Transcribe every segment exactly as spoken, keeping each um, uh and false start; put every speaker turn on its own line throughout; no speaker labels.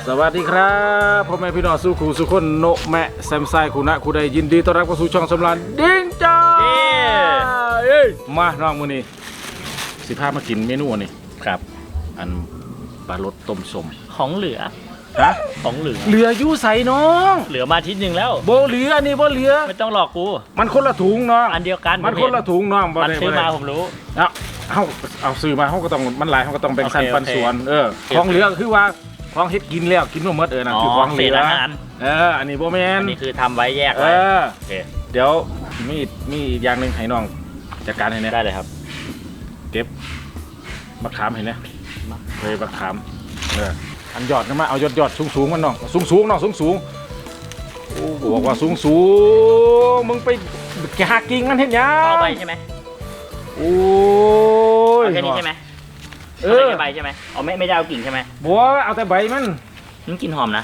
สวัสดีครับพ่อแม่พี่น้องสู้ขู่สู้คนโนแมะแซมไซคูนะคูใดยินดีต้อนรับเข้าสู่ช่องสำรานดิ้งจ้าเอ้ยมาน้องมื้อนี้สิพามากินเมนูนี่ครับอันปลารสต้มส้ม
ของเหลือ
ฮะ
ของเหลือ
เหลืออยู่ใส่น้อง
เหลือมาทิศหนึ่งแล้ว
โบเหลือนี่โบเหลือ
ไม่ต้องหลอกกู
มันคนละถุงน้อง
อันเดียวกัน
มันคนละถุงน้อง
มันซื้อมาผมรู้
เอาเอาเอาซื้อมาเขาก็ต้องมันหลายเขาก็ต้องแบ่งสันปันส่วนเออของเหลือคือว่าของเฮ็ดกินแล้วกินมาหมดเออนะคือของเหลือเอออันนี้โบแมน
อันนี้คือทำไว้แยกไว้
เดี๋ยวมีมีอย่างหนึ่งให้น้องจัดการให้เนี่ย
ได้เลยครับ
เก็บมะขามเห็นไหมเลยมะขามเอออันยอดกันมาเอายอดยอดสูงสูงมันน้องสูงสูงน้องสูงสูงโอ้บอกว่าสูงสูงมึงไปแกหากิ่งมันเห็นยัง
เอาใบใช่ไหม
โอ้ย
แค่นี้ใช่ไหมเออใบใช่ไหมเอาไม่ไม่ได้เอากิ่งใช่ไหม
บัวเอาแต่ใบมัน
มันกินหอมนะ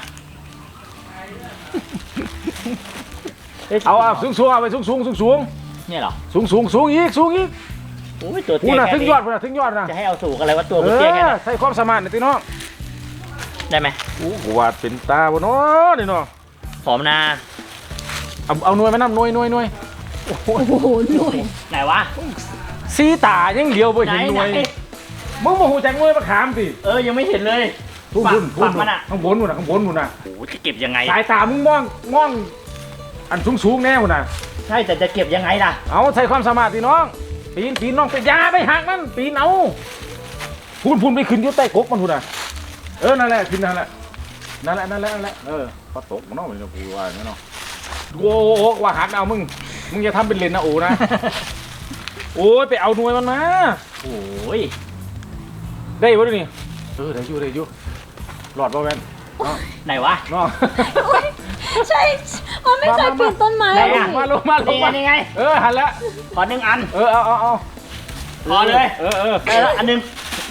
เอาเอาสูงสูงเอาไปสูงสูงสูงสูง
เนี่ยเหรอ
สูงสูงสูงอีกสูงอีก
โอ้ยตัวเตี้ยแค่
นี้ถึงยอดถึงยอดนะ
จะให้เอาสูงอะไรวะตัวเตี้ยแค่นี้
ใช้ความสามารถนะตีน้อง
ได้ไหม
โอ้โหวาดเป็นตาบนน้อนี่น้อง
หอมนา
เอาเอาหน่วยมาน้ำหน่วยหน่วยหน่วย
โอ้โหหน่วย
ไหนวะ
สีตายังเดียวไปเห็นหน่วยมึงมาหูแจงหน่วยมาขามสิ
เออยังไม่เห็นเลย
พุ่นพุ่นพุ่นมันอ่ะข้างบนพุ่นอ่ะข้างบนพุ่นอ่ะ
โอ้จะเก็บยังไง
สายตามึงมองมองอันสูงสูงแน่พุ่นอ่ะ
ใช่แต่จะเก็บยังไงล่ะ
เอาใช้ความสามารถตีน้องปีนปีนน้องไปยาไปหักมันปีนเอาพุ่นพุ่นไปขึ้นอยู่ใต้กกมันพุ่นอ่ะเออนั่นแหละขึ้นนั่นแหละนั่นแหละนั่นแหละนั่นแหละเออพอตกมันน้องมันจะพูดว่าอย่างนี้เนาะโอ้โหว่าหักเอามึงมึงอย่าทำเป็นเลนนะโอ้นะโอ้ยไปเอาหน่วยมันมา
โอ้ย
ได้ปะนี่เออได้อยู่ได้อยู่หลอดป่ะแมน
ไหนวะ
น้อง
ใช่มันไม่เคยปีนต้นไม้
มาลงมาลงมา
ยังไง
เออหันละ
ขอหนึ่งอัน
เออเอาเอาเอา
พอเลย
เออเออ
ได้ละอันหนึ่ง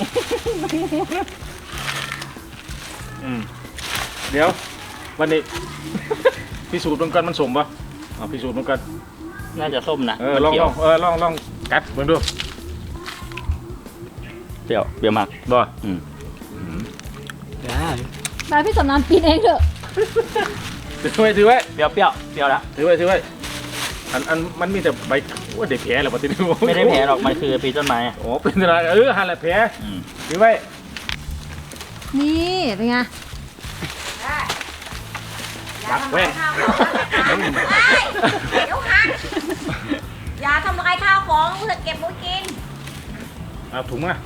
อืมเดี๋ยววันนี้พิสูจน์เหมือนกันมันสมป่ะเอาพิสูจน์เหมือนกัน
น่าจะส้มนะ
เออลองลองเออลองลองกัดเหมือนดู
เปรี้ยวเปรี้ยวมาก
บ่
อืม
ได้
มาพี่สำนานปีนเองเถอะ
ถือไว้ถือไว้
เปรี้ยวเปรี้ยวเปรี้ยวละ
ถือไว้ถือไว้อันอันมันมีแต่ใบว่าเด็กแผลหรอปะทีนี้
ไม่ได้แผลหรอกมันคือปีต้นไม้
อ๋อเป็นอะไรเออหันแหละแผลถือไว้
นี่เป็นไง
ปักแว่น
เดี๋ยวหักอย่าทำลายข้าวของกูจะเก็บไว้กิน
เอาถุงมา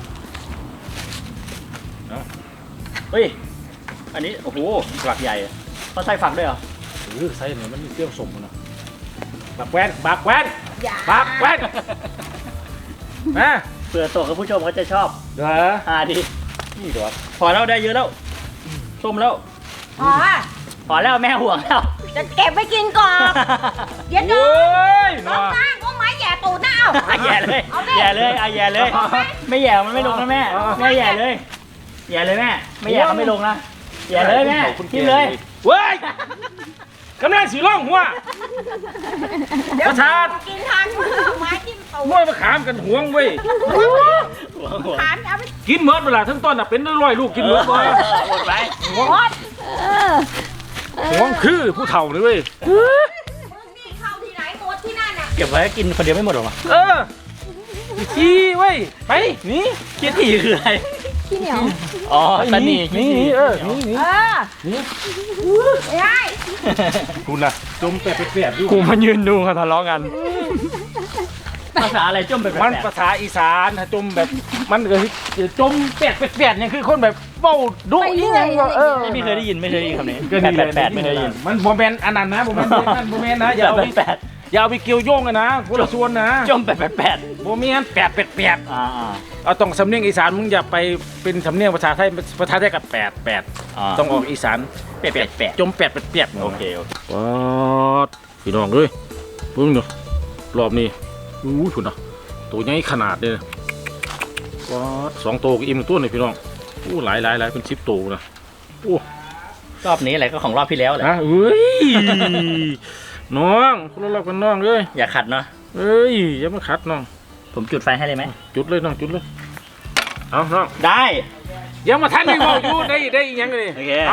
เอาเฮ้ยอันนี้โอ้โหฝักใหญ่เขาใส่ฝักด้วยเหรอ
เออใส่เนี่ยมันมีเปรี้ยวสมนะปักแว่นปักแว่นปักแว่นนะ
เผื่อตัวกับผู้ชมเขาจะชอบ
เหรอ
อ่าดี
นี่ตัว
พอแล้วได้เยอะแล้วส้มแล้ว
อ๋อ
พอแล้วแม่ห่วงแล้ว
จะเก็บไว้กินก่อนเดี๋ยวน้องน้องตั้งก็ไม้แย่ตูดหน้าเอา
แย่เลยแย่เลยอ่ะแย่เลยไม่แย่มันไม่ลงนะแม่แม่แย่เลยแย่เลยแม่ไม่แย่เขาไม่ลงนะแย่เลยแม่กินเลย
เว้ยกำลังสีร่องหัวประชาชน
กินทานไม้จิ้มตูด
มวยมาขามกันห่วงเว้ย
ขามเอาไป
กินเมิดเวลาทั้งต้นอ่ะเป็นร้อยลูกกินเมิดบ่
หมดไป
หมดห่วงคือผู้เฒ่าเลยเว้ย
นี่เข้าที่ไหนหมดที่นั่นน่ะ
เก็บไว้กินคนเดียวไม่หมดหรอวะ
เออขี้เว้ยไปนี่
ขี้ถี่คืออะไร
ขี้เหนียว
อ๋อตันนี่
นี่เออนี่นี่
เออนี่ไง
คุณน่ะจมแปะแปะอยู่
กูมายืนดูเขาทะเลาะกันภาษาอะไรจมแบบ
มันภาษาอีสานจมแบบมันเออจมแปะแปะเนี่ยคือคนแบบเบ้าดุยิ่งยังเออ
ไม่เคยได้ยินไม่เคยได้ยินคำนี้แปดแปดไม่เคยได้ยิน
มันโมเมนต์อันนั้นนะโมเมนต์นั่นโมเมนต์นะอย่าเอาไปอย่าเอาไปเกี่ยวโยงกันนะคนละส่วนนะ
จมแปดแปดแปด
โมเมนต์แปดแปดแปด
อ่า
เอาต้องสำเนียงอีสานมึงอย่าไปเป็นสำเนียงภาษาไทยภาษาไทยกับแปดแปดต้องออกอีสาน
แปดแปดแปด
จมแปดแปดแปด
โอเค
ว้าวพี่น้องเลยพึ่งเนาะรอบนี้อู้ถุนเนาะตัวใหญ่ขนาดเลยว้าวสองโตกับอิ่มตัวนี่พี่น้องอู้หลายหลายหลายเป็นชิปโตนะอู้
รอบนี้อะไรก็ของรอบที่แล้วแหละ
เฮ้ยน้องคนละรอบกันน้องเลย
อย่าขัดเนาะ
เอ้ยอย่ามาขัดน้อง
ผมจุดไฟให้เลยไหม
จุดเลยน้องจุดเลยเอาน้อง
ได้
ยังมาทันยังบอกอยู่ได้ได้ยังไงเอา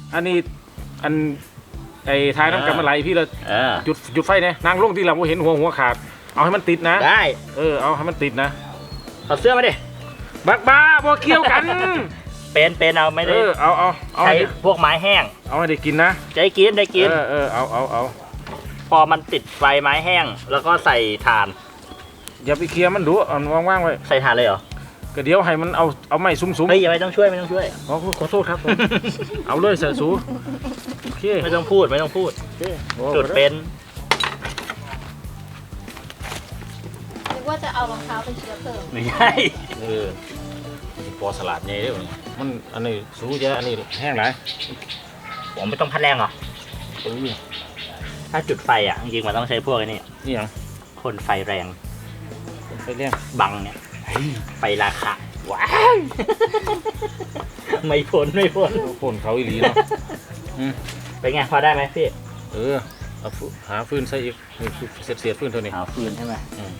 อันนี้อันไอ้ทายน้ำกันมาไหลพี่เลย
เออ
จุดจุดไฟเนี่ยนางลงที่เราเห็นหัวหัวขาดเอาให้มันติดนะ
ได้
เออเอาให้มันติดนะ
เอาเสื้อมาดิ
บักบ้าบ่เกี่ยวกัน
เป็นเป็นเอาไม่
เอ
ได้
อเอาเอาเอา
ใช้
ให้ได้
พวกไม้แห้ง
เอาให้ได้กินนะ
จะได้กินได้กิน
เออเออเอาเอาเอา
พอมันติดไฟไม้แห้ง แล้วก็ใส่ถ่าน
อย่าไปเคลียร์มันดูเอาว่างๆไว้
ใส่ถ่านเลยเหรอ
ก็เดี๋ยวให้มันเอาเอาไม้ซุ้มๆ
เฮ้ยอย่าไม่ต้องช่วยไม่ต้องช่วย
ขอขอโทษครับผมเอาเลยเสือสูโอเค
ไม่ต้องพูดไม่ต้องพูด
โอเคโอ้
จุดเป็น
นึกว่าจะเอารองเท้าเป็นเชื้อเพลิง
ไม่ใช่
เออปอสลัดใหญ่เด้อมันอันนี้สูเยอะอันนี้แห้งหลาย
ผมไม่ต้องพัดแรงหรอ
โอ้ย
ถ้าจุดไฟอ่ะจริงๆมันต้องใช้พวกไอ้นี่
นี่หยัง
คนไฟแรง
ไปเลี้ยง
บังเนี่ยไฟราคาว้าวไม่พ้นไม่พ้น
ฝนเขาอีหลีเนาะอืม
เป็นไงพอได้ไหมพี่
เออเอาฟืหาฟืนใส่อีกนี่คือเสียดเสียดฟืนเท่านี้
หาฟืนใช่ไหม
อืม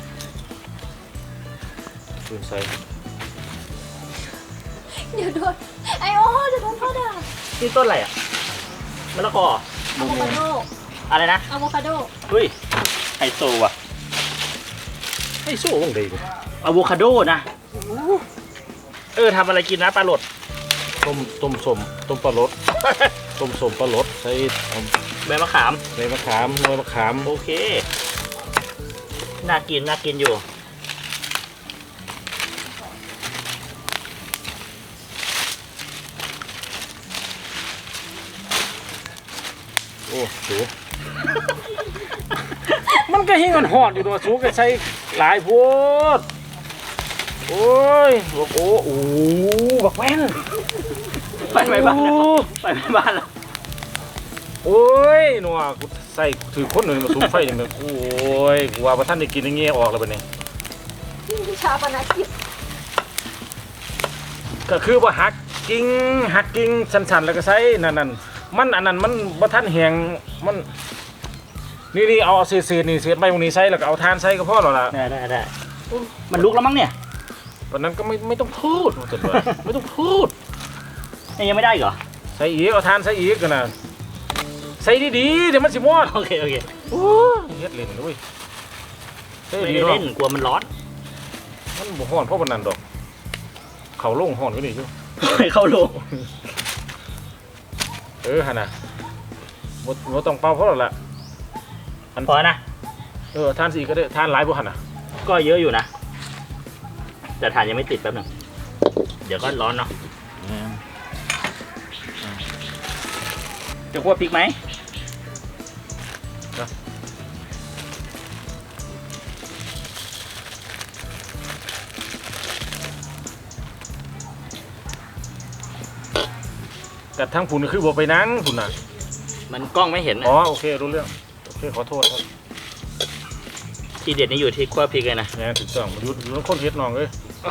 ฟืนใส่
เดี๋ยวโดนไอโอเดี๋ยวโดนพ่อด่า
นี่ต้นอะไรอ่ะมะละกอ
อะโวคาโด
อะไรนะ
อะโวคาโด
เฮ้ยไฮโซว่ะ
ให้สู้วงใดเลย
อะโวคาโดนะเออทำอะไรกินนะปลาหลด
ต้มต้มสมต้มปลารส ต้มสมปลารสใส่เอา
ใบมะขาม
ใบมะขามหน่วยมะขาม
โอเคน่ากินน่ากินอยู่
โอ้สู มันก็หิ้งมันหอดอยู่ตัวสูก็ใส่หลายโพดโอ้ยบอกโอ้โอ้บักแว่น
ไปไปบ้านแล้วไปไปบ้านแล้ว
โอ้ยหนัวกูใส่ถือคนหนึ่งมาสูงไฟอย่างเงี้ยโอ้ยกูว่าพระท่านได้กินอย่างเงี้ยออกแล้วบัดนี้
ชาปนกิจ
ก็คือว่าหักกิ่งหักกิ่งสันๆแล้วก็ใส่นั่นนั่นมันอันนั้นมันพระท่านแหงมันนี่นี่เอาเศษเศษนี่เศษใบพวกนี้ใส่แล้วก็เอาทานใส่ก็พอแล้วล่ะ
ได้ได้ได้มันลุกแล้วมั้งเนี่ย
ตอนนั้นก็ไม่ไม่ต้องพูดว่าจะว่าไม่ต้องพูด
นี่ยังไม่ได้อีกเหรอ
ใส่อีกเอาทานใส่อีกกันนะใส่ดีๆเดี๋ยวมันสิมอด
โอเคโอเค
โอ้ยเฮ็ดเล่นด้วยใส่
ไม่
ดี
ได้
เนาะ
เล่นกลัวมันร้อน
มันบ่ฮ้อนเพราะมันนั่นดอก เขาลงฮ้อนก็นี่อยู่
ให้เข้าโลง
เออหั่นน่ะบ่บ่ต้องเป่าเพราะแล้วล่ะ
พอนะ
เออทานสิก็ได้ทานหลายบ่หั่นน่ะ
ก็เยอะอยู่นะแต่ถ่านยังไม่ติดแป๊บหนึงเดี๋ยวก็ร้อนเนาะจะคั่วพริกไหม
แต่ทั้งผุนคือบ่ไปนั่งผุนน่ะ
มันกล้องไม่เห็น
อ๋
นะ
อโอเครู้เรื่องโอเคขอโทษครับ
ทีเด็ดนี่อยู่ที่คั่วพริกเลยนะ
แหน่ถูกต้องอยู่อยู่นำคนเฮ็ดน้องเอ้ย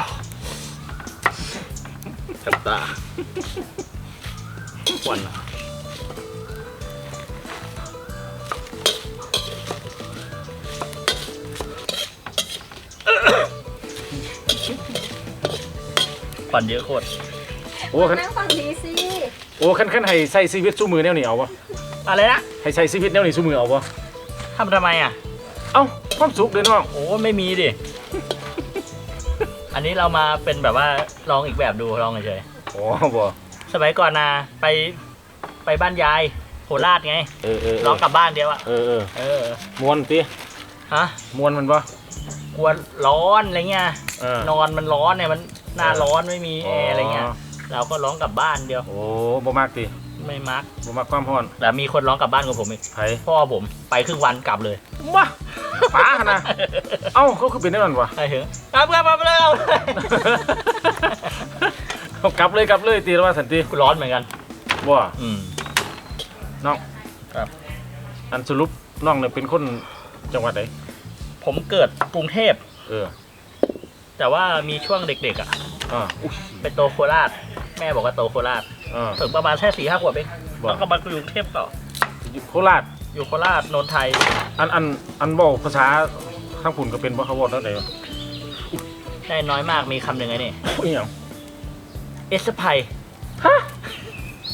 กับตาควันควันเยอะโคตร
โอ้คัน
นั่งฟังดีสิ
โอ้คันคันให้ใส่ชีวิตสู้มือแนวนี้เอาบ่
อะไรนะ
ให้ใส่ชีวิตแนวนี้สู้มือเอาบ่
ทำทำไมอ่ะ
เอ้าความสุขเด้อน้อง
โอ้ไม่มีดิ อันนี้เรามาเป็นแบบว่าลองอีกแบบดูลองเฉย
อ๋อบ่
ๆสมัยก่อนนะไปไปบ้านยายโคราชไง
เออเออเอ
ร้อ
อง
กลับบ้านเดียวอะ
เออเออ
เออ
มวนติ
ฮะ
มวนมันบ่
กลัวร้อนอะไรเงี้ย
เออน
อนมันร้อนเนี่ยมันหน้าร้อนไม่มี
อ๋
แอ
อ
ร์อะไรเงี้ย เราก็ร้องกลับบ้านเดียว
โอ้บ่มากติ
ไม่มัก
บ่มักความร้อน
แต่มีคนร้องกลับบ้านกับผมอีก
ไผ
พ่อผมไปครึ่งวันกลับเลย
ว้าป๋าหั่นน่ะเอ้าเขาคือเป็นได้นั่นวะ
ไปถึงกลับกลับกลับเลยเอาเลย
เอากลับเลยกลับเลยตีแล้วว่าสันติ
ร้อนเหมือนกัน
บ่
อืม
น้อง
ครับ
อันสรุปน้องเนี่ยเป็นคนจังหวัดไหน
ผมเกิดกรุงเทพ
เออ
แต่ว่ามีช่วงเด็กๆอ่ะ
อ่าอุ้ย
ไปโตโคราช แม่บอกว่าโตโคราช
อ่า
ถึงประมาณแค่สี่ห้าขวบเอง
บอก
แล้วก็มาอยู่กรุงเทพต่อ
อยู่โคราช
อยู่โคราชนนทไทย
อันอันอันบอกภาษาข้างผุนก็เป็นบ่เขาบอกแล้วไหนวะ
ได้น้อยมากมีคำหนึ่งไงนี่
อุ้ยหยัง
เอสไพ
ฮะ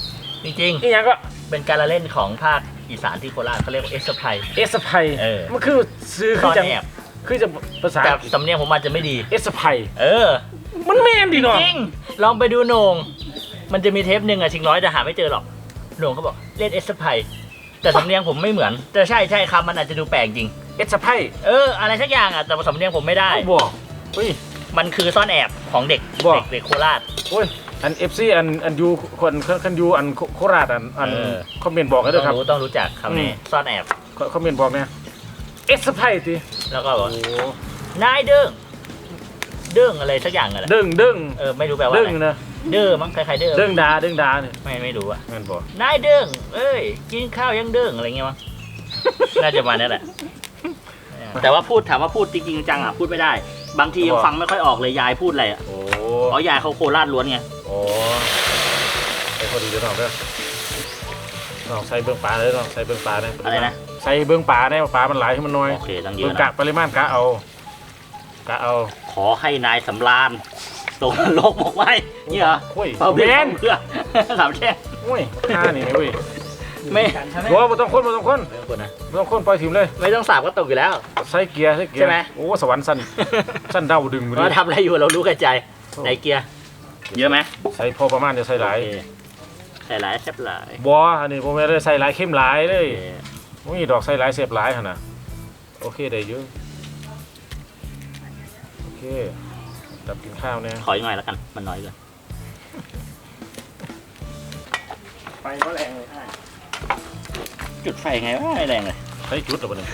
จริง
อีหยังก็
ๆเป็นการละเล่นของภาคอีสานที่โคราชเขาเรียกว่าเอสไพ
เอสไพ
เออ
มันคือซื้อ
ซ่
คือ
อน
จะ
แอบ
คือจะภาษา
แต่สำเนียงผมอาจจะไม่ดี
เอสไพ
เออ
มันแม่นดีเนาะ
จริงลองไปดูโหน่งมันจะมีเทปหนึ่งอะชิงร้อยแต่หาไม่เจอหรอกโหน่งเขาบอกเล่นเอสไพแต่สำเนียงผมไม่เหมือนแต่ใช่ใช่คำมันอาจจะดูแปลกจริง
เอสไพ
เอออะไรสักอย่างอะแต่สำเนียงผมไม่ได้
บอกเฮ้ย
มันคือซ่อนแอบของเด็ก
บอก
เด็กเด็กโคราช
โอ้ยอัน เอฟ ซี อันอันยูคนคันยูอันโคราชอันอัน
เออ
คอมเมนต์บอกกัน
ต้
ด้
อ
วยครับ
งรู้ต้องรู้จักคำนี้
อืม
ซ่อนแอบ
คอมเมนต์บอกเนี่ยเอสไพติ
แล้วก็บอก
โอ้
นายเด้งเด้งอะไรสักอย่างอะไร
เด้งเด้ง
เออไม่รู้แปลว่า
เด้
อะ
ง
ไร
นะ
เด้อมั้งคล้ายๆเด้อ
เด้งดาเด้งดาเนี่ย
ไม่ไม่รู้อะ
แม่นบอก
นายเด้งเอ้ยกินข้าวยังเด้งอะไรเงี้ยมั้ง น่าจะมาเนี่ยแหละ แต่ว่าพูดถามว่าพูดจริงๆจังอ่ะพูดไม่ได้ บางทียังฟังไม่ค่อยออกเลยยายพูดอะไรอ่ะ
โอ้
เพราะยายเขาโคราชล้วนไง
โอ้ใส่พอดีเดี๋ยวน้องเด้อน้องใส่เบื้องปลาเลยน้องใส่เบื้องปลาเนี่ย
อะไรนะ
ใส่เบื้องปลาเนี่ยปลามันหลายให้มันน้อย
โอเคตั้งเย
เบื้อ
อะ
งกะ
นะ
ปริมาณกะเอากะเอา
ขอให้นายสำราญตกนรกบอกไว้นี่เหรอ
โอ้ย
เปล่า
เบ
เพื่อน
น
เพื่อสามแช่ง
โอ้ยข้านี่เว้ย
ไม่
โอ้บ่ต้องคนบ่ต้องคน
ไม่ต้องกดนะ
บ่ต้องคนปล่อยถิ่มเลย
ไม่ต้องสาบก็ตกอยู่แล้ว
ใส่เกียร์ใส่เกียร์
ใช่ไหม
โอ้สวรรค์สั้นสั้นเดาดึงมาดิ
ว่าทำอะไรอยู่เรารู้กันใจไหนเกียร์เยอะไหม
ใส่พอประมาณจะใส่หลาย
โอเคใส่หลายแซ่บหลาย
บ่อันนี้ผมไม่ได้ใส่หลายเข้มหลายเล
โอย เค
โอ้ยดอกใส่หลายเสียบหลายหั่นน่ะโอเคได้อยู่โอเคดับกินข้าวเนี่ย
ขออีกหน่อยแล้วกันมันน้อยเกิน
ไฟก็แรงเลย
จุดไฟไงวะไม่แรงเลย
ใช้จุดหรือเปล่าเนี่ย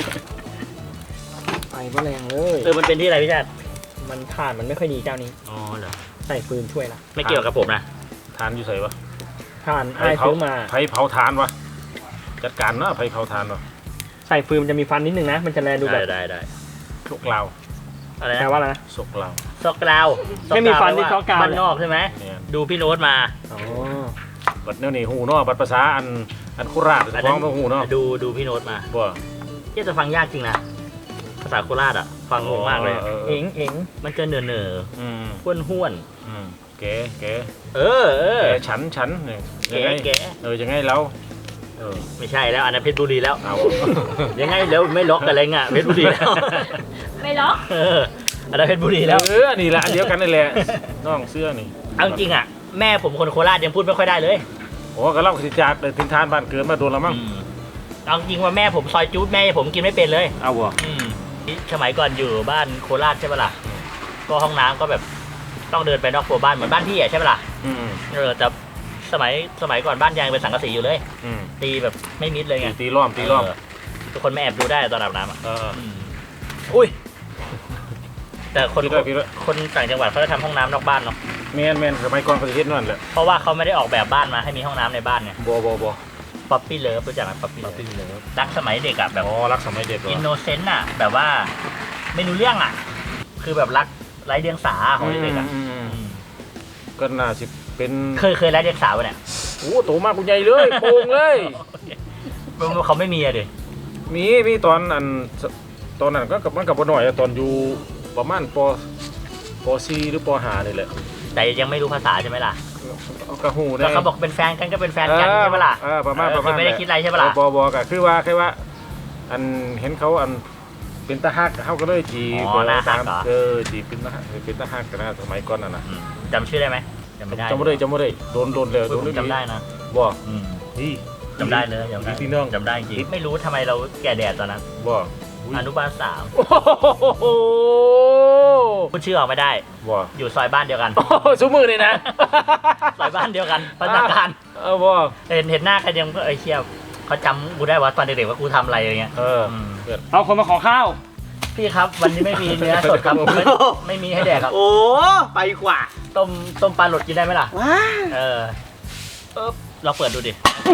ไฟก็แรงเลย
เออมันเป็นที่อะไรพี่ชาติ
มันถ่านมันไม่ค่อยดีเจ้านี้
อ๋อเหรอ
ใส่ฟืนช่วยละ
ไม่เกี่ยวกับผมนะ
ทานอยู่ใส่ปะ
ถ่านไอ้ายซื้อมา
ไผเผาทานวะจัดการเนาะไผเผาทานวะ
ใส่ฟืนมันจะมีฟันนิดนึงนะ มันจะแลดูแบ
ได้
บ
ได้ได้
สกลาว
อะไร
แปล
นะ
ว่าอะไรนะ
สกลาว
ซอกกราว
ไม่มีฟันที่ซอกกราว
บ้านนอกใช่ไหม
เนี่ย
ดูพี่โน้ตมา
อ๋อ
บัดแนวนี้หูเนาะบัดภาษาอันอันโคราช
อัน
ฟ้
นั้
อง
น
ต้องหูเนาะ
ดูดูพี่โน้ตมา
บ่
ที่จะฟังยากจริงนะภาษาโคราชอ่ะ ฟังงงมากเลย
เออเอ
เอ็
อง
เอ็ง
มันจะเหน่อเหน่อ
อืม
ห้วนห้วน
อืมเก๋เก๋
ๆเออเออ
เก๋ฉันฉันเนี่ย
แกะ
ยังไง
แกะ
เออยังไงเราเออ
ไม่ใช่แล้วอันนั้นเพชรบุรีแล้ว
เอา
ยังไงแล้วไม่ล็อกกันอะไรเงี้ยเพชรบุรีแล้ว
ไม่ล็อก
เอออันนั้นเพชรบุรีแล้ว
เออนี่แหละอันเดียวกันนี่แหละน้องเสื้อนี่
เอาจริงๆอ่ะแม่ผมคนโคราชยังพูดไม่ค่อยได้เลย
โอ้ก็เล่าสิจากเลยทินทานบ้านเกิดมาโดนแล้วมั้ง
อืมเอาจริงว่าแม่ผมซอยจู๊ดแม่ผมกินไม่เป็นเลย
เอาบ่
อืมสมัยก่อนอยู่บ้านโคราชใช่ปะล่ะ ก็ห้องน้ำก็แบบต้องเดินไปนอกครัวบ้านเหมือนบ้านพี่อะใช่ปะล่ะ
อืม
เออแต่สมัยสมัยก่อนบ้านยังเป็นสังกะสีอยู่เลย
อืม
ตีแบบไม่มิดเลย
ตี
ไง
ตีล้อมตีล้อม
เทุกคนไม่แอบดูได้ตอนอาบน้ำอ่ะ
เออ
อืมอุ้ย แต่คน
พี่ด้วยพี่ด้วย
คนต่างจังหวัดเขาจะทำห้องน้ำนอกบ้านเนาะ
แมนแมนสมัยก่อนเขาจะเฮ็ดนั่นแหละ
เพราะว่าเขาไม่ได้ออกแบบบ้านมาให้มีห้องน้ำในบ้านไง
บ่บ่บ่
ป๊อปปี้เลิฟรู้จักไหมป๊อปปี้เลิฟรักสมัยเด็กอะแบบ
อ๋อรักสมัยเด็กเหรอ
อินโนเซนต์อะแบบว่าไม่รู้เรื่องอะคือแบบรักไร้เดียงสาของเด็กๆอะ
อืมอืมอืมก็น่าสิเป็น
เคยเคยไร้เดียงสาปะเนี่ย
โอ้โตมากกูใหญ่เลยโป่งเลย
เขาไม่มีอะดิ
มีมีตอนอันตอนนั้นก็กับมันกับบ่น้อยอะตอนอยู่ประมาณปปสี่หรือปห้านี่แหละ
แต่ยังไม่รู้ภาษาใช่ไหมล่ะ
เอากระหู
แล้วเขาบอกเป็นแฟนกันก็เป็นแฟนกันใช่ไหมล่ะ
เออประมาณ
เออ
ประมาณ
คือไม่ได้คิดอะไรใช่ปะล่ะ
บอบอก็คือว่าแค่ว่า อันเห็นเขาอันเป็นตาฮักเขาก็เลยจีบ
อ๋อน่าฮักเหรอ
เออจีบเป็นตาฮักเป็นตาฮักกันนะสมัยก่อนน่ะนะ
อืมจำชื่อได้ไหมจำไม่ได้
จำไม่ได้จำไม่ได้โดนโดนเลย
โอ้
โด
ย
น
ผมจำได้นะ
บ่
อืม
นี่
จำได้เลยจำได้
พี่น้อง
จำได้จริงไม่รู้ทำไมเราแก่แดดตอนนั้น
บ่
อนุบาลสาม
โอ้โห
พูดชื่อออกไม่ได้
บ่
อยู่ซอยบ้านเดียวกัน
โอ้โหซุมือเลยนะ
ซอยบ้านเดียวกันพัฒนาการ
เออบ่
เห็นเห็นหน้าใครยังก็เอ้ยเชี่ยเขาจำกูได้ว่าตอนเด็กๆว่ากูทำอะไรอย่างเงี้ย
เออ
อืม
เอาคนมาขอข้าว
พี่ครับ วันนี้ไม่มีเนื้อสดครับไม่ไม่มีให้แดกครับ
โอ้ไปกว่า
ต้มต้มปลาหลดกินได้ไหมล่ะ
ว้า
เออเออเราเปิดดูดิ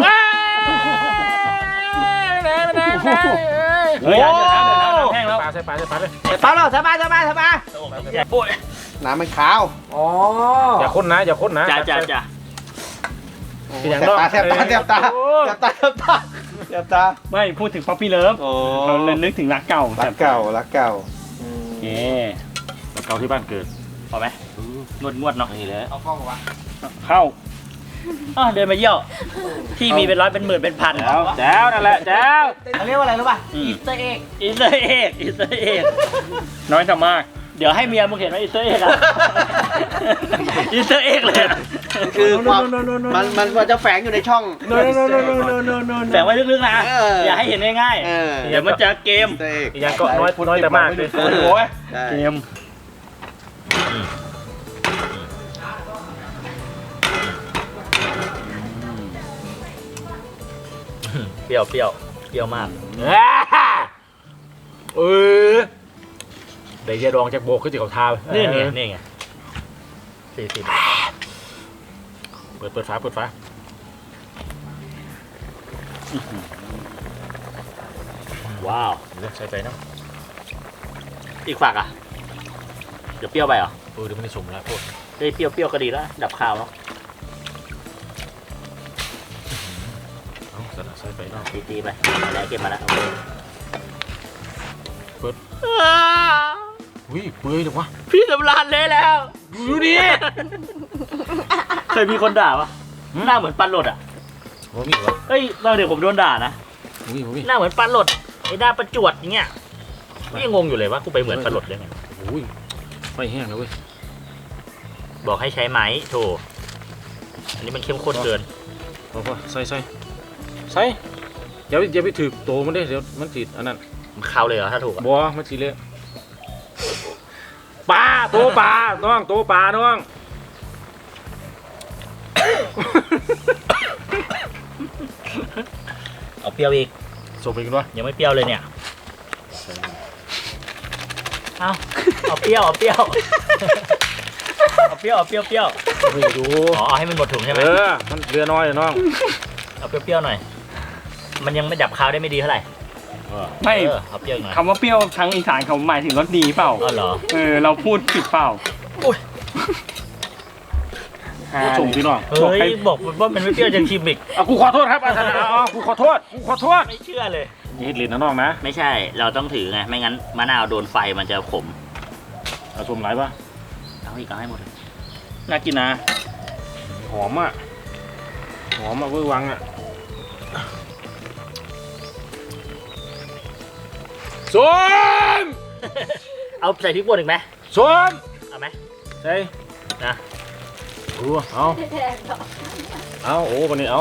เฮ้ยเดี๋ยวนะเดี๋ยวนะน้ำแห้งแล้ว
ปลาใส่ปลาใส่ปลาเลย
ใส่ปลาแล้วใส่ปลาใส่ปลาใส่ปลา
โอ้ย
น้ำมันขาว อ๋อ
อย่าค้นนะอย่าค้นนะ
จ้าจ้าจ้า
เป็นอย่าง
แสบ
นอก
ตาแสบตาแสบตา
โอ้
แสบตาแสบตาแสบตา
ไม่พูดถึงป๊อปปี้เลิฟ
โอ้
เราเลยนึกถึงรักเก่า
รักเก่ารักเก่า
โอเค
แล้วเกาที่บ้านเกิด
พอไหมงวดงวดๆเนาะนี่เลย
เอากล้องวะ
เข้า
อ๋อเดินมาเยี่ยวที่มีเป็นร้อยเป็นหมื่นเป็นพัน
แจ้วแจ้วนั่นแหละแจ้ว
เขาเรียกว่าอะไรรู้ป่ะ
อืม
อีสเตอร์เอ็ก
อิสราเอลอิสราเอล
น้อยแต่มาก
เดี๋ยวให้เมียมึงเห็นว่าอิสราเอลอะอิสราเอลเลยอะ
คือความมันมันมันจะแฝงอยู่ในช่อง
แฝงไว้ลึกๆนะ
เออ
อย่าให้เห็นง่าย
เออ
ๆเดี๋ยวมันจะเกม
อีสเตอร์เอ็ก
อีกอย่างก็น้อยน้อยแต่มากเลย
โอ้โห ใช่
เกม
เปรี้ยวเปรี้ยวเปรี้ยวมาก
เออเดี๋ยวยาดองจากโบกขึ้นจากเขาทา
นี่ไงนี่ไงสี่สิบ
เปิดเปิดฝาเปิดฝา
ว้าว
เดี๋ยวใส่ไปเนาะ
อีกฝักอ่ะ เดี๋ยวเปรี้ยวไปเหรอ
เออเดี๋ยวมันจะสมแล้วโทษ
เฮ้ยเปรี้ยวเปรี้ยวก็ดีแล้ว ดับคาวแล้ว
เอาใส่ใส่ไปเนาะ
ตีตีไปมาแล้วเก็บมาแล้วโอเค
เปิดอุ้ยเปื่อยเลยวะ
พี่สำราญเลยแล้ว
ดูดิ
เคยมีคนด่าปะหน้าเหมือนปันหลดอ่ะ
โอ้มีเหรอ
เฮ้ยตอนเด็กผมโดนด่านะ
อุ้ยอุ้ย
หน้าเหมือนปันหลดไอ้หน้าประจวดอย่างเงี้ยไม่ยังงงอยู่เลยว่ากูไปเหมือนปันหลดได้ไง
อุ้ยไฟแห้งแล้วเว้ย
บอกให้ใช้ไม้โถอันนี้มันเข้มข้นเกิน
พอพอใส่ใส่ใส่อย่าไปอย่าไปถือโตมันได้เดี๋ยวมันติดอันนั้น
มันคาวเลยเหรอถ้าถูกอะ
บัวมันสีเละปลาโตปลาน้องโตปลาน้อง
เอาเปรี้ยวอีก
ส่งไปกันวะ
ยังไม่เปรี้ยวเลยเนี่ย เอาเอาเปรี้ยวเอาเปรี้ยวเอาเปรี้ยวเอาเปรี้ยวเปรี้ยว
ไม่ดู
อ๋อเอาให้มันหมดถุงใช่ไหม
เออมันเรือน้อยน้อง
เอาเปรี้ยวๆหน่อย มันยังไม่ดับคาวได้ไม่ดีเท่าไหร่
ไม่
เออเอาเปรี้ยวหน่อย
คำว่าเปรี้ยวทั้งอีสานเขาหมายถึงรสดีเปล่า
อ๋อเหรอ
เออเราพูดผิดเปล่า
อุ้ย
ส่งพี่น้อง
เฮ้ยบอกว่ามันไม่เปรี้ยวจะชิมอีก
เอากูขอโทษครับอาจารย์เอากูขอโทษกูขอโทษ
ไม่เชื่อเลย
นี่เล่นนะน้องนะ
ไม่ใช่ เราต้องถือไง ไม่งั้นมะนาวโดนไฟมันจะขม
เอาชมไรปะ
เอาอีกเอาให้หมดเลย
น่ากินนะ
หอมอ่ะหอมอ่ะเวอร์วังอ่ะส้ม
เอาใส่พริกป่นอีกไหม
ส้ม
เอาไหม
ใช่
นะ
ดูเอาเอาโอ้คนนี้เอา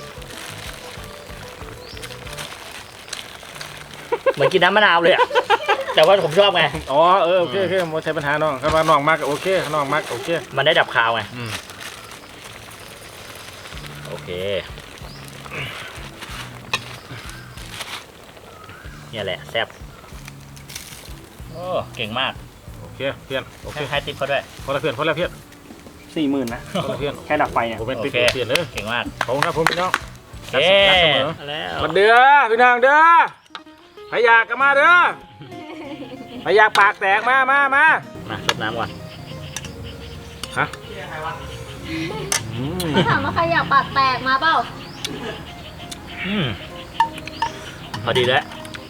เหมือนกินน้ำมะนาวเลยอะ แต่ว่าผมชอบไง
อ๋อเออโอเคโอเคไม่ใช่ปัญหาน้องครับว่าน้องมากโอเคน้องมากโอเค
มันได้ดับคาวไง
อืม
โอเค เนี่ยแหละแซ่บโอ้เก่งมาก
โอเคเพื่อนโอเค
ให้ให้ติ๊บเขาด้วย
พอละเพื่อนพอละเพื่อน
สี่หมื่นนะ
พอละเพื่อน
แค่ดับไฟเนี่ย
ผมเป็น
โอ
ติ๊ก
เค
เปลี่ยนเลย
เก่งมาก
ขอบคุณครับผมพี่น้อง
เอ๊
รักเสมอ
แล้ว
มาเด้อพี่น้องเด้อใครอยากก็มาเด้อใครอยากปากแตกมามามา
มาชดน้ำก่อน
ฮะอืม
ถามว่าใครอยากปากแตกมาเปล่า
อืมพอดีแล้ว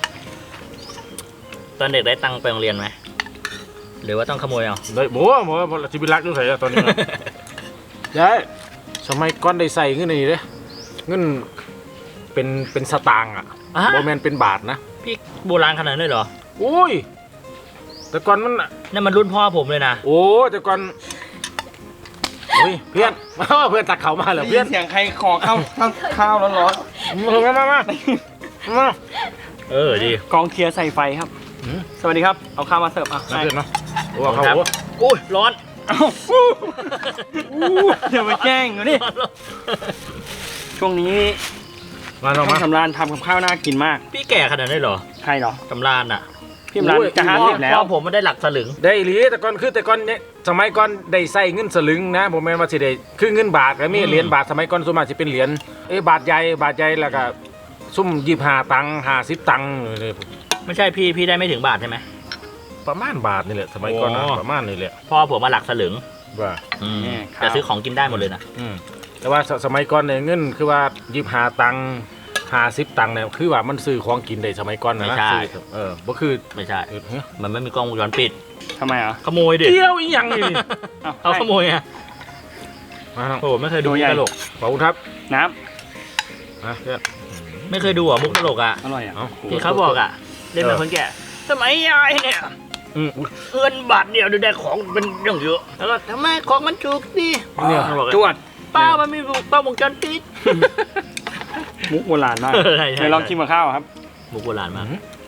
ตอนเด็กได้ตังค์ไปโรงเรียนไหม หรือว่าต้องขโมยเอา
ได้บัวบัวชีวิตรักดูใส่ตอนนี้นะยายสมัยก่อนได้ใส่เงินนี่เด้เงินเป็นเป็นสตางค์อ่ะ
อ่ะ
โบแมนเป็นบาทนะ
พี่โบราณขนาดนั้นเลยเหรอ
โอ้ยแต่ก่อนมัน
นั่นมันรุ่นพ่อผมเลยนะ
โอ้แต่ก่อนเฮ้ยเพื่อน เพื่อนตักเขามาเหรอ
ได้
เพื่
ยิ
อน
นเสียงใครขอข้าวข้าวข้าวร้อน
มามามามา
เออดี
ๆกองเทียร์ใส่ไฟครับ
อืม
สวัสดีครับ เอาข้าวมาเสิร์ฟอ่ะ
น่า
ใช่
เพื่อนเนาะโอ้
ขอบคุณ
เขา
ครับ
โอ้
อุ้ยร้อน
เอ้าเดี๋ยวไปแกล้งอยู่นี่ช่วงนี้
มาน้อง
ท่า
มา
นสำราญทำกับข้าวน่ากินมาก
พี่แก่ขนาดนั้นเหรอ
ใครเหรอ
ตำรานอ่ะ
พี่สำราญจะห้าสิบแล้ว
พ่อผมมันได้หลักสลึง
ได้อีหลีแต่ก่อนคือแต่ก่อนเนี่ยสมัยก่อนได้ใส่เงินสลึงนะผมแม่นว่าสิได้คือเงินบาทก็มี
อืม
เหรียญบาทสมัยก่อนส่วนมากสิเป็นเหรียญเอ้ยบาทใหญ่บาทใหญ่แล้วก็ซุ่มยี่สิบห้าตังค์ห้าสิบตังค์เลย
ไม่ใช่พี่พี่ได้ไม่ถึงบาทใช่ไหม
ประมาณบาทนี่แหละสมัยก่อนนะ
โอ้
ประมาณนี่แหละ
พ่อผมมาหลักสลึง
ว่า
อืม
เนี่ยครับ
แต่ซื้อของกินได้หมดเลยนะ
อืมแต่ว่าสสมัยก่อนเนี่ยเงินคือว่ายี่สิบห้าตังค์ห้าสิบตังค์เนี่ยคือว่ามันซื้อของกินได้สมัยก่อนนะ
ไม่
นะ
ใช่
ซื้อเออบ่คือ
ไม่ใช่
เออเฮ้ย
มันไม่มีกล้องวงจรปิด
ทำไมอ่ะ
ขโมยดิ
เที่ยวอีหยังนี่
อ้าว
เอาขโมยไง
ฮมาน้อง
โอ้ไม่เคยดู
ตัว
มุ
ให
ก
ญ่
ตลก
ขอบคุณครับ
น้
อ่ะเพื่อน
ไม่เคยดูเหรอ่ะมุกตลกอ่ะ
ำอร่อยอ่ะ
เอา
ที่เขาบอกอ่ะเล่นเป็นคนแก่สมัยยายเนี่ย
อืม
เงินบาทเดียวดูได้ของเป็นเรื่องเยอะแล้วก็ทำไมของมันถูกดิ
เนี่ย
เขาบอก
จวด
ป้ามันมีกล้องวงจรปิด
มุกโบราณมาก
ใช่ใช่
เดี๋ยวลองชิมกับข้าวครับ
มุกโบราณมาก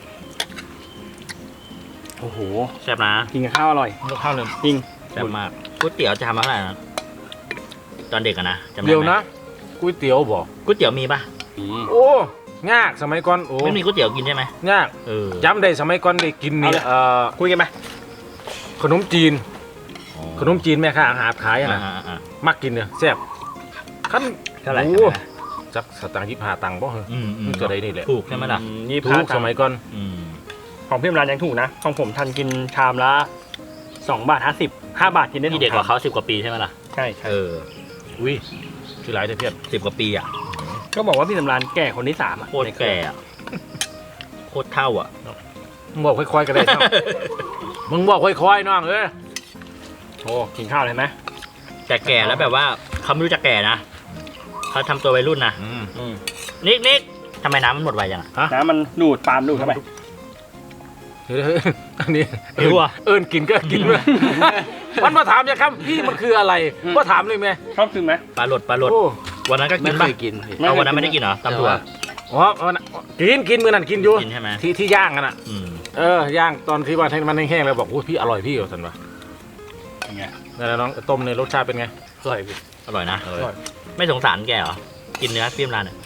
โอ้โห
แซ่บนะ
กินกับข้าวอร่อย
ข้าวเลย
จริง
แซ่บมากก๋วยเตี๋ยวจะทำมาเท่าไหร่นะตอนเด็กอะนะจำได้ไหม
เดี๋ยวนะก๋วยเตี๋ยวบอก
ก๋วยเตี๋ยวมีปะ
อืม
โอ้ยากสมัยก่อนโอ้
ไม่มีก๋วยเตี๋ยวกินใช่ไหม
ยาก
เออ
จำได้สมัยก่อนได้กินนี่เอ่อ
คุยกันไหม
ขนมจีน ขนมจีนแม่ค้าอาหารขายอะ
อ่า
นะ
อ่าอ่า
มักกินเนี่ยแซ่บขั้น
เท่าไหร่
โอ้จักสตางค์ยี่สิบห้าตังค์บ่เหรอ
อืมอืม
มันตัวใดนี่แหละ
ถูกใช่ไหมล่ะ
นี่
ถู
พาก
สมัยก่อน
อืม
ของพี่ร้านยังถูกนะ ของผมทันกินชามละสองบาทห้าสิบห้าบาทกินได้
นี่เด็กกว่าเขาสิบกว่าปีใช่ไหมล่ะ
ใช่ใช่
เออ
อุ้ยชื่อหลายแต่เพียบ
สิบกว่าปีอ่ะ
ก็บอกว่าพี่สำรานแก่คนที่สามอ่ะ
โคตรแก่อะโคตรเท่าอ่ะ
มึงบอกค่อยๆกันได้เนาะ มึงบอกค่อยๆน้องเอ้ย
โอ้กินข้าวเลยไหม
แต่แก่แล้วแบบว่าเขาไม่รู้จะแก่นะเขาทำตัววัยรุ่นนะ
อืม
อืม
นิกนิกทำไมน้ำมันหมดไวจังอะ
น้ำมันดูดปาล์มดูดเข้าไป
เฮ้ยอันนี้
หิวอะ
เอิญกินก็กินเลยมันมาถามจะครับพี่มันคืออะไรก็ถามเลยไหม
ชอบกินไหม
ปลาหลดปลาหลด
โอ้
วันนั้นก็กินปะ
กิน
เอาวันนั้นไม่ได้กินเหรอตำถั่ว
อ๋อเอานะกินกินมือนั่นกินอยู่
กินใช่ไหม
ที่ที่ย่างกันอ่ะ
อืม
เออย่างตอนที่ว่าให้มันแห้งๆแล้วบอกโอ้พี่อร่อยพี่เหรอสันวะ
ยังไง
นั่นแหละน้องต้มในรสชาติเป็นไง
อร่อยพี่
อร่อยนะ
อร่อย
ไม่สงสารแกเหรอกินเนื้อเปรี้ยมรานเนี่ย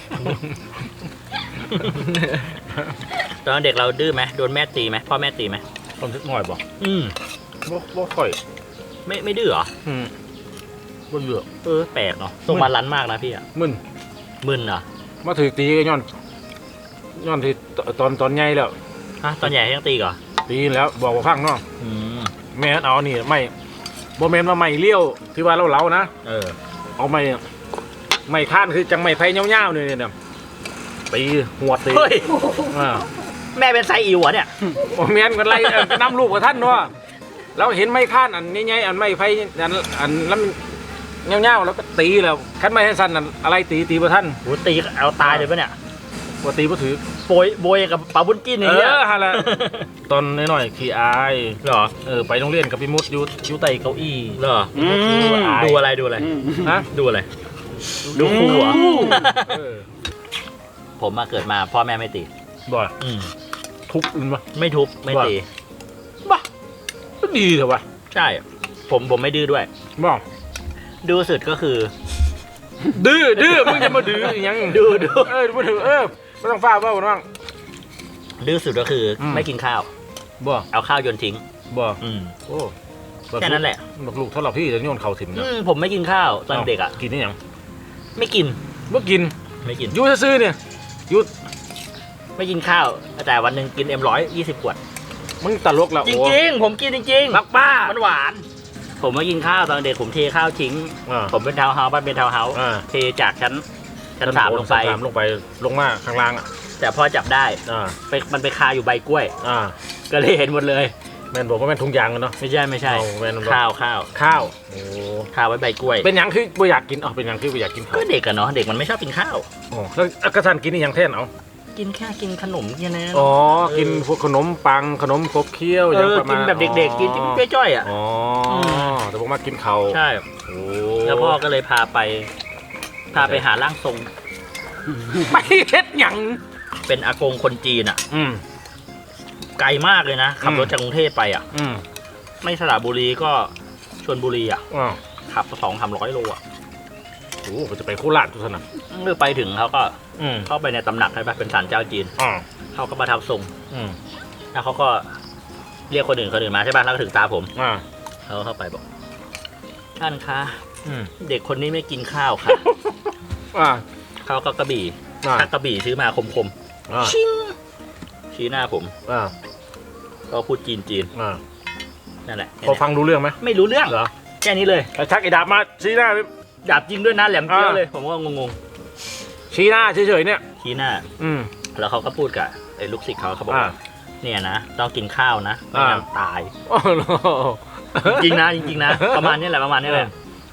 ตอนเด็กเราดื้อไหมโดนแม่ตีไหมพ่อแม่ตีไหม
ต้มทึกหน่อยบอก
อืม
บ่บ่ค่อย
ไม่ไม่ดื้อเหรอ
อืมบ่เหลือ
เออแปลกเนาะทรงบาลันซ์มากนะพี่อะ
มึน
มึนเหรอ
มาถือตีก็ย้อนย้อนที่ตอนตอนใหญ่แล้ว
ฮะตอนใหญ่ยังตีก่อน
ตีแล้วบอกว่าพังเนาะ
อืม
แม่เอานี่ไม่บ่แม่นว่าไม่เลี้ยวที่ว่าเราเล้าๆนะ
เออ
เอาไม่ไม่ข้านคือจังไม่ไฟเงี้ยวๆเนี่ยเนี่ยตีหัวตี
เฮ้ย
อ่า
แม่เป็นไซอิ๋วเหรอเนี่ย
โอ้แม่นกันไรเอ่อน้ำลูกกับท่านเนาะเราเห็นไม่ข้านอันนี้ไงอันไม่ไฟอันอันแล้วมันเงี้ยวๆแล้วก็ตีแล้วคันไม่ให้สั้นอันอะไรตีตีบ่ท่าน
โหตีเอาตายเลยปะเนี่ย
บ่ตีบ่ถือ
โบยโบยกับปลาบุญกิน
เอ
อย่างเงี้ย
อฮะละตอนน้อยๆขี้อาย
เหรอ
เออไปโรงเรียนกับพี่มุดอยู่อยู่ใต้เก้าอี้
เหรอ
อืม
ดูอะไรดูอะไร
อืม
ฮะ
ดูอะไร ดูครูเหรอ
เออ
ผมมาเกิดมาพ่อแม่ไม่ตี
บ่
อืม
ทุบอื่นปะ
ไม่ทุบไม่ตี
บ้าก็ดีเถอะวะ
ใช่ ผมผมไม่ดื้อด้วย
บ่
ดื้อสุดก็คือ
ดื้อดื้อมึงจะมาดื้ออีหยัง
ดื้อดื้อ
เออมาถือเออไม่ต้องฟ้าเบ้าน้อง
ดื้อสุดก็คืออ
ม
ไม่กินข้าว
บ่
เอาข้าวโยนทิ้ง
บ่
อืม
โอ้
แค่นั้นแหละ
บอกลูกเท่าเราพี่จะโยนเข่าถิ่ม
อื
นะ
มผมไม่กินข้าวตอนเด็กอ่ะ
กินนี่ยัง
ไม่กิน
บ่กิน
ไม่กิน
อยู่ซื่อๆเนี่ยอยู่
ไม่กินข้าวแต่วันหนึ่งกินเอ็มร้อยยี่สิบขวด
มึงตลกละ
จ
โอ้
ริงๆ ผมกินจริง
รักป้า
ๆมันหวาน ผมไม่กินข้าวตอนเด็กผมเทข้าวทิ้ง
อ่า
ผมเป็นทาวน์เฮาส์บ้านเป็นทาวน์เฮาส์
อ่า
เทจากชั้นชั้นสามลงไป
ชั้นสามลงไปลงมาข้างล่างอ่ะ
แต่พอจับได้
อ่า
ไปมันไปคาอยู่ใบกล้วย
อ่า
ก็เลยเห็นหมดเลย
แม่นบอกว่าแม่นถุงยางกันเนาะ
ไม่ใช่ไม่ใช่
เอาแม่นบอก
ข้าวข้าว
ข้าวโอ้
ข้าวไว้ใบกล้วย
เป็นหยังคือบ่อยากกินอ๋อเป็นหยังคือบ่อยากกินข้าว
ก็เด็กอะเนาะเด็กมันไม่ชอบกินข้าว
อ๋อแล้วกระทันกินนี่หยังแท่นเอา
กินแค่กินขนมแค่นั้น
อ๋อ กินพวกขนมปัง ขนมครบเคี้ยว
เอ
ยัง
อ
ประมา
กิ
ณ
นแบบเด็กๆ กินจิ้มจ้อยๆอ่ะ
อ๋อ
ม
แต่ผมมากินเขาว
ใช่
โอ้
แล้วพ่อก็เลยพาไป พาไปหาร่างทรง
ไปเฮ็ดหยัง
เป็นอากงคนจีนอ่ะ
อืม
ไกลมากเลยนะ ขับ
อืม
รถจากกรุงเทพไปอ่ะ
อืม
ไม่สระบุรีก็ชลบุรีอ่ะ
อ๋อ
ขับสองสามร้อยโลอ่ะ
โอ้ก็จะไปโคราชทุกท่านนะ
เมื่อไปถึงเขาก็
อืม
เข้าไปในตำหนักใช่ปะเป็นศาลเจ้าจีน
อ๋อ
เขาก็มาทำทรง
อืม
แล้วเขาก็เรียกคนอื่นคนอื่นมาใช่ปะแล้วก็ถึงตาผม
อ่า
เขาก็เข้าไปบอก ท่านคะ
อืม
เด็กคนนี้ไม่กินข้าวค่ะ
อ่า
เขาก็กระบี่
อ่า
ถ้ากระบี่ซื้อมาคม
อ่า
ๆ ชิงชี้หน้าผม
อ่า
ก็พูดจีนจีน
อ่า
ๆนั่นแหละ
พอฟังรู้เรื่องไหม
ไม่รู้เรื่อง
เหรอ
แค่นี้เลย
ไอ้ชักไอ้ดาบมาชี้หน้า
ดาบจริงด้วยนะแหลมเกี้ยว
อ่า
เลย ผมก็งง
ชี้หน้าเฉยๆเนี่ย
ๆชี้หน้า
อืม
แล้วเขาก็พูดกับไอ้ลูกศิษย์เขาเขาบอก
อ่า
ว่าเนี่ยนะต้องกินข้าวนะไม่งั้นตาย
โอ้โห
จริงๆนะจริงๆนะประมาณนี้แหละประมาณนี้แหละ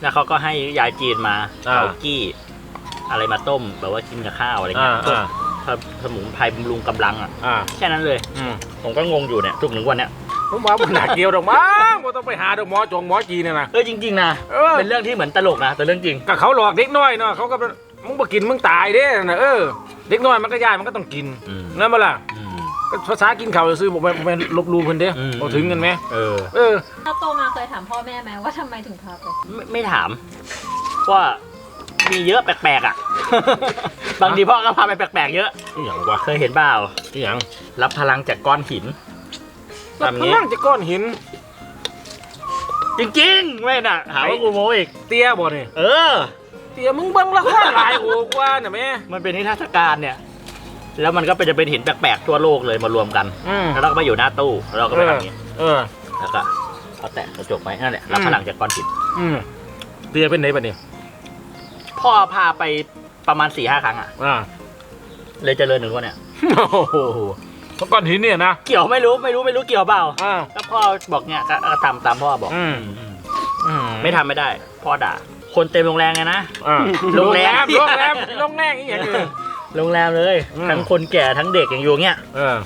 แล้วเขาก็ให้ยายจีนมา
อ่า
เอากี้ อะไรมาต้มแบบว่ากินกับข้าวอะไร
อ่า
เงี้ย
อ่า
สมุนไพรบำรุงกำลังอ่ะ
อ่า
แค่นั้นเลย
อืม
ผมก็งงอยู่เนี่ยทุกหนึ่งวันเนี้ย
ผมว่ามันหนักเกี่ยวดอกมั้งบ่ต้องไปหาดอกหมอจงหมอจีนเนี่ยนะ
เออจริงๆนะ
เออ
เป็นเรื่องที่เหมือนตลกนะแต่เรื่องจริง
ก็เขาหลอกเด็กน้อยเนาะเขาก็มึงบ่กินมึงตายเด้นะเออเด็กน้อยมันก็ย่านมันก็ต้องกิน
อืม
นั่นบ่ล่ะ
อืม
ก็ภาษากินข้าวซื้อผมไปผมไปลบหลู่เพิ่นเด้
อืม
บ่ถึงกันไหม
เออ
เออ
ถ้าโตมาเคยถามพ่อแม่ไหมว่าทำไมถึงพาไป
ไม่ไม่ถามว่ามีเยอะแปลกๆอ่ะ บางทีพ่อก็พาไปแปลกๆเยอะ
อีหยังวะ
เคยเห็นเปล่า
อีหยัง
รับพลังจากก้อนหิน
แล้ว
ทำ
พ
งี้
ลังจะก้อนหิน
จริงๆไม่น่ะหาว่ากูโม้อีก
เตี้ยบ่นี่
เออ
เตี้ยมึงเบิ่งละครหลายโหกว่าน่ะแม่
มันเป็นนิทรรศการเนี่ย แล้วมันก็เป็นจะเป็นหินแปลกๆทั่วโลกเลยมารวมกัน
อืม
แล้วเราก็มาอยู่หน้าตู้แล้วเราก็ไปทำอย่างนี้
เออ
แล้วก็เอาแตะกระจกไปนั่นแหละรับ
อืม
พลังจากก้อนหิน
อืมเตี้ยเป็นไหนบัดนี้
พ่อพาไปประมาณสี่ห้าครั้งอ่ะ
อ่า
เลยเจริญหนึ่งวันเนี่ย
โอ้โหแล้วก้อนหินเนี่ยนะ
เกี่ยวไม่รู้ไม่รู้ไม่รู้เกี่ยวเปล่า
อ่า
ก็พ่อบอกเนี่ยก็ก็ทำตามพ่อบอก
อืม
อืม
อืม
ไม่ทำไม่ได้ พ่อด่า คนเต็มโรงแรมไงนะ
อ่า
โรงแรม
โรงแรมโรงแรมอีหยังคือ
โรงแรมเลย
อืม
ทั้งคนแก่ทั้งเด็กอย่างอยู่เงี้ย
เออ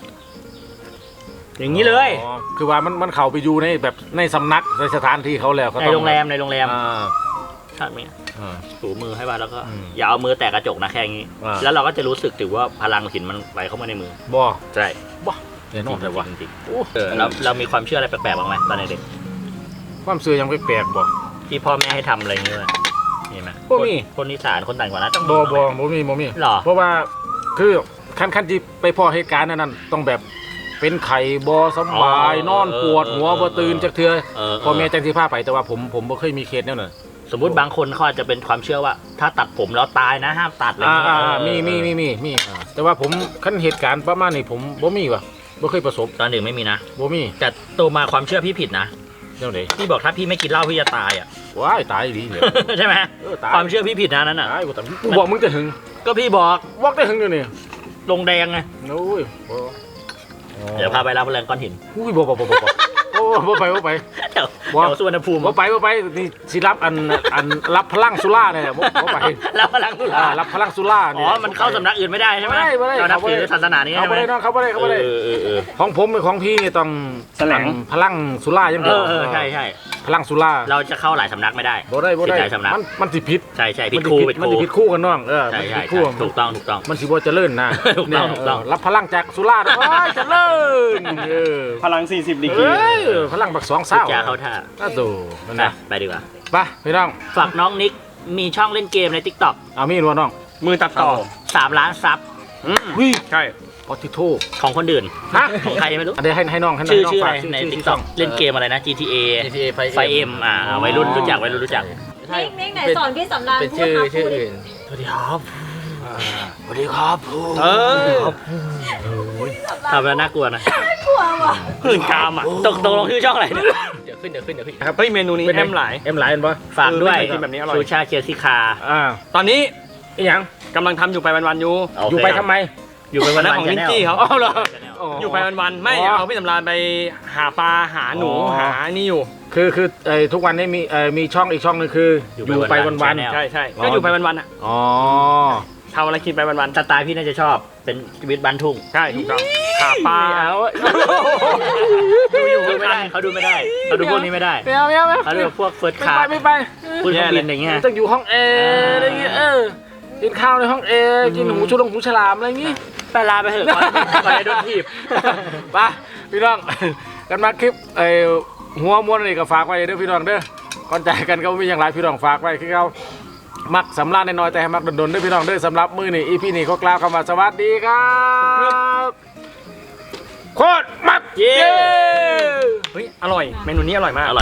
อย่างนี้เลย
อ๋อคือว่ามันมันเข้าไปอยู่ในแบบในสำนักในสถานที่เขาแล้วเขา
ใน
ต้อง
โรงแรมในโรงแรม
อ่า
ใช่ไหม
อ่า
ถูมือให้บ้างแล้วก็
อืม
อย่าเอามือแตะกระจกนะแค่นี้
อ่า
แล้วเราก็จะรู้สึกถึงว่าพลังหินมันไหลเข้ามาในมือ
บ่
ใช่
บ่เดี๋ยวนอนเลยวะ
จริง
โอ้
ๆเออเราเรามีความเชื่ออะไรแปลกๆบ้างไหมตอนเด็ก
ความเชื่อยังแปลกๆบ่
ๆที่พ่อแม่ให้ทำอะไรอย่างเงี้ยมีไหม
บ่มี
คนคนอีสานคนต่างจังหวัดนะต้องมี
บ่
บ้างไหม
บ่บ่มีบ่มี
หรอ
เพราะว่าคือขั้นขั้นที่ไปพ่อเหตุการณ์นั้นๆต้องแบบเป็นไข่บ่สำบายนอนปวดหัวบ่ตื่นจักเทื่อ
เออ
พ่อแม่จังสิพาไปแต่ว่าผมผมบ่เคยมีเคสแนวนั้น
สมมุติบางคนเขาอาจจะเป็นความเชื่อว่า ถ้าตัดผมแล้วตายนะห้ามตัดอะไรอย่าง
อ่า
เงี้ย
อ่า
เออ
มีมีมีมีมีแต่ว่าผมขั้นเหตุการณ์ประมาณนี้ผมบ่มีว่ะบ่เคยประสบ
ตอนเด็กไม่มีนะ
บ่มี
แต่โตมาความเชื่อพี่ผิดนะ
แนวไหน
พี่บอกถ้าพี่ไม่กินเหล้าพี่จะตายอ่ะ
ว้ายตายดีเลย
ใช่ไหม
เออตาย
ความเชื่อพี่ผิดนะนั่นน่ะ
ตายกูแต่กูบอกมึงจะหึง
ก็พี่บอก
บอกได้หึงอยู่นี่
ลงแดงไง
โอ้ยบ่
เดี๋ยวพาไปรับแรงก้อนหิน
อุ้ยบ่บ่บ่บ่บ่โอ้บ่ไปบ่ไป
เดี๋ยว
ว่า
เดี๋ยวสุวรรณภูมิ
บ่ไปบ่ไปนี่สิรับอันอันรับพลังสุราเนี่ยบ่บ่ไป
รับพลังสุ
อ่า
รา
รับพลังสุรา
อ๋อมันเข้าสำนักอื่นไม่ได้ใช่ไหม
ไม่ได้ไม่ได้
เรานับถือ
เขาไม่ได้
ศาสนานี้
เขา
ใช่ไหม
บ่ได้เนาะเขาบ่ได้เขาบ่ได้
เออเออเออ
ของผมกับของพี่นี่ต้อง
แสลง
อันพลังสุราอย่าง
เอ
เดียว
อเออใช่ใช่
พลังสุรา
เราจะเข้าหลายสำนักไม่ได้
บ่ได้บ่ได้
ผิหลายสำนัก
มันมันสิผิด
ใช่ใช่ผิด
มัน
ครู
สิ
ผิดค
มัน
รู
สิผิดคู่กันน้องเออ
ใช่
มันสิ
ใช่
ผิดคู่
ใช่ถูกต้องถูกต้อง
มันสิบ่เจริญนะ
ถูกต้อง
เนี่ย
ถูกต้อง
เรับพลังจากสุราโอ้ยเจริญเออ
พลังสี่สิบดีกรี
เอ้ยพลังบักสอง
พูด
เศร้า
จาเข้าท่า
น่าดูนั่น
ไป
นะ
ไปดีกว่า
ไปพี่น้อง
ฝากน้องนิกมีช่องเล่นเกมใน ทิกตอก
เอามีดวน้อง
มือตัดต่อ
สามล้านซับ
อืม
วิ
ใช่
ปอติโท
ของคนอื่น
ฮะ
ของใครไม่รู้
อันนี้ให้ให้น้องให้น้อง
ชื่อ
ให้น้ง
ชื่ออะไร
ฝาก
ใน
ชื่
ทิก
ชื่
ตอกเล่นเกมอะไรนะ จี ที เอ
จี ที เอ ไฟ
ไฟเอ็มอ่าวัยรุ่นรู้จักวัยรุ่นรู้จัก
นิกนิกไหนสอนพี่สำราน
เป็น
พูด
ชื่อ
ครับ
ชื่อ
พูดดิ
อื่น
สวัสดีครับสวัสดีครับครู
เออ
ทำแล้วน่ากลัวนะ
กลัวว่ะ
หื่นกามอ่ะ
ตกตกลงชื่อช่องอะไรเนี่ย
เดี๋ยวขึ้นเดี๋ยวขึ้นเดี๋ยวขึ้น
เฮ้ยเมนูนี้แอมหลาย
เอ็มหลายเห็นปะ
ฝากด้วย
เออไม่เคยกินแบบนี้อร่อย
ซูชาเคียซิคา
อ่า
ตอนนี้
อีหยัง
กำลังทำอยู่ไปวันๆอยู่
โเค
อยู่ไปทำไม
อยู่ไป
วั
วัน น
นั้น
ๆ
ของนิกกี้
Channel
เขา
เอาเหรอ
อยู่ไปวันๆไม่
อ๋อ
เอาพี่สำราญไปหาปลาหาหนู
อ๋อ
หานี่อยู่
คือคือไอ้ทุกวันนี้มีเอ่อมีช่องอีกช่องหนึงคืออยู่ไปวันวัน
Channel
ใช่ใช่
อ๋อ
ก็อยู่ไปวันๆอ่ะ
ๆอ๋อ
ทำอะไรกินไปวัน
สไตล์พี่น่าจะชอบ เป็นชีวิตบ้านทุ่ง
ๆใช่ถูกต้องหาปลา
ดูอยู่ไม่ได้เขาดูไม่ได้เขาดูพวกนี้ไม่ได้
ไม่เอาไม่เอาไม่
เขาดูพวกเฟิร์ส
ไม่
คา
ไป
ร์
ไม่ไป
พูดเครื่องบินอย่างเงี้ย
ต้องอยู่ห้องแอร์อะไรเงี้ยเออกินข้าวในห้องแอร์กินหมูชุลงหมูฉลามอะไรอย่างงี้
ไปลาไปเถอะก่อนก่อนจะโดนถีบ
ไปพี่น้อง กันมาคลิปไอ้หัวม้วนนี่ก็ฝากไว้เด้อพี่น้องเด้อก่อนใจกันก็มีอย่างไรพี่น้องฝากไว้คือเขามักสำราญน้อยๆแต่ให้มักดนๆเด้อพี่น้องเด้อสำหรับมื้อนี้อีพีนี้ก็กล่าวคำว่าสวัสดีครับโคตรมักเย้
เฮ้ยอร่อยเมนูนี้อร่อยมาก